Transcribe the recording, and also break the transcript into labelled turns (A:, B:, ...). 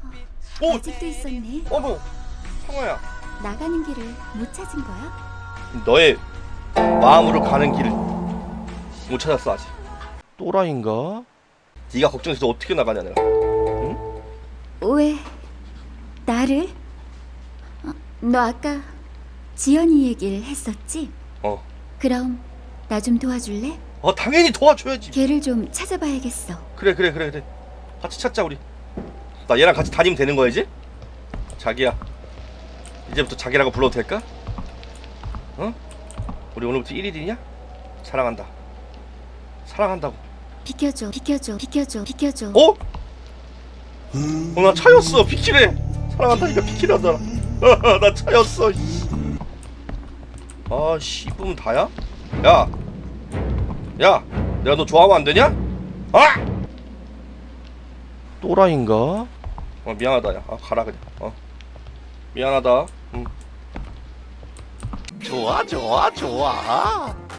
A: 오!
B: 아직도 있었네.
A: 어머! 상어야,
B: 나가는 길을 못 찾은 거야?
A: 너의 마음으로 가는 길을 못 찾았어 아직. 또라이인가? 네가 걱정해서 어떻게 나가냐 내가.
B: 왜 나를? 너 아까 지연이 얘기를 했었지?
A: 어.
B: 그럼 나 좀 도와줄래?
A: 당연히 도와줘야지.
B: 걔를 좀 찾아봐야겠어.
A: 그래. 같이 찾자 우리. 나 얘랑 같이 다니면 되는 거야지? 자기야, 이제부터 자기라고 불러도 될까? 어? 우리 오늘부터 1일이냐? 사랑한다. 사랑한다고.
B: 비켜줘.
A: 어? 나 차였어. 비키래. 사랑한다니까 비키라잖아. 나 차였어. 아, 씨부면 다야? 야, 내가 너 좋아하면 안 되냐? 아! 또라이인가? 미안하다. 야, 가라 그냥. 미안하다. 좋아.